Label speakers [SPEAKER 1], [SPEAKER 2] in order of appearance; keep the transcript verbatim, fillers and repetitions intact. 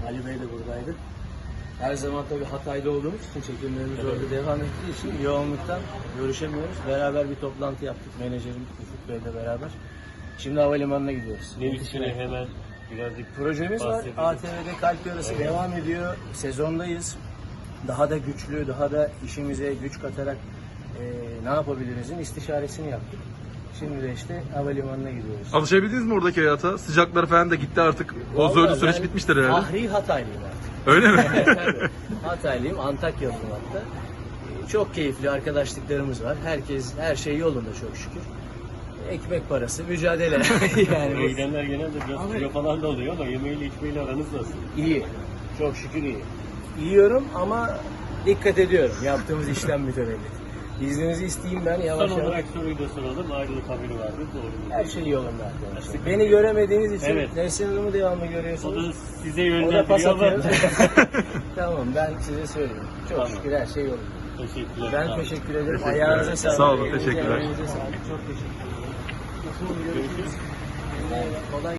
[SPEAKER 1] Ali Bey de buradaydı. Her zaman tabii Hatay'da olduğumuz için, çekimlerimiz orada devam ettiği için yoğunluktan görüşemiyoruz. Beraber bir toplantı yaptık menajerim Ufuk Bey'le beraber. Şimdi havalimanına gidiyoruz.
[SPEAKER 2] Ne üstüne hemen birazcık
[SPEAKER 1] Projemiz var.
[SPEAKER 2] bahsedelim.
[SPEAKER 1] A T V'de Kalp Yarısı
[SPEAKER 2] Evet.
[SPEAKER 1] devam ediyor. Sezondayız. Daha da güçlü, daha da işimize güç katarak e, ne yapabilirizin istişaresini yaptık. Şimdi de işte havalimanına gidiyoruz.
[SPEAKER 3] Alışabildiniz mi oradaki hayata? Sıcaklar falan da gitti artık. O
[SPEAKER 1] Vallahi
[SPEAKER 3] zorlu süreç
[SPEAKER 1] ben
[SPEAKER 3] bitmiştir herhalde.
[SPEAKER 1] Fahri Hataylıyım artık.
[SPEAKER 3] Öyle mi?
[SPEAKER 1] Tabii. Hataylıyım, Antakyalıyım hatta. E, Çok keyifli arkadaşlıklarımız var. Herkes, her şey yolunda çok şükür. Ekmek parası, mücadele. yani
[SPEAKER 2] Buraya gidenler genelde biraz kilo falan da oluyor ama yemeğiyle içmeyle aranız nasıl?
[SPEAKER 1] iyi. Çok şükür iyi. Yiyorum ama dikkat ediyorum. Yaptığımız işlem mütevellit. İzninizi isteyeyim ben yavaş
[SPEAKER 2] Son
[SPEAKER 1] yavaş.
[SPEAKER 2] olarak soruyu da soralım. Ayrılık haberi vardı. Doğru mu?
[SPEAKER 1] Her şey yolunda arkadaşlar. Beni göremediğiniz için
[SPEAKER 2] Evet.
[SPEAKER 1] Neslihan Hanım'ı devamlı
[SPEAKER 2] O
[SPEAKER 1] görüyorsunuz.
[SPEAKER 2] da size
[SPEAKER 1] O da pas
[SPEAKER 2] yönlendiriyor ama.
[SPEAKER 1] atıyor. Tamam, ben size söyleyeyim. Çok
[SPEAKER 2] Tamam.
[SPEAKER 1] şükür her şey yolunda.
[SPEAKER 2] Teşekkürler.
[SPEAKER 1] Ben
[SPEAKER 2] Sağ olun.
[SPEAKER 1] teşekkür ederim. Ayağınıza sağlık.
[SPEAKER 3] Sağ olun,
[SPEAKER 1] Elinize,
[SPEAKER 3] teşekkürler.
[SPEAKER 1] emeğinize sağlık. Çok teşekkür ederim. Kolay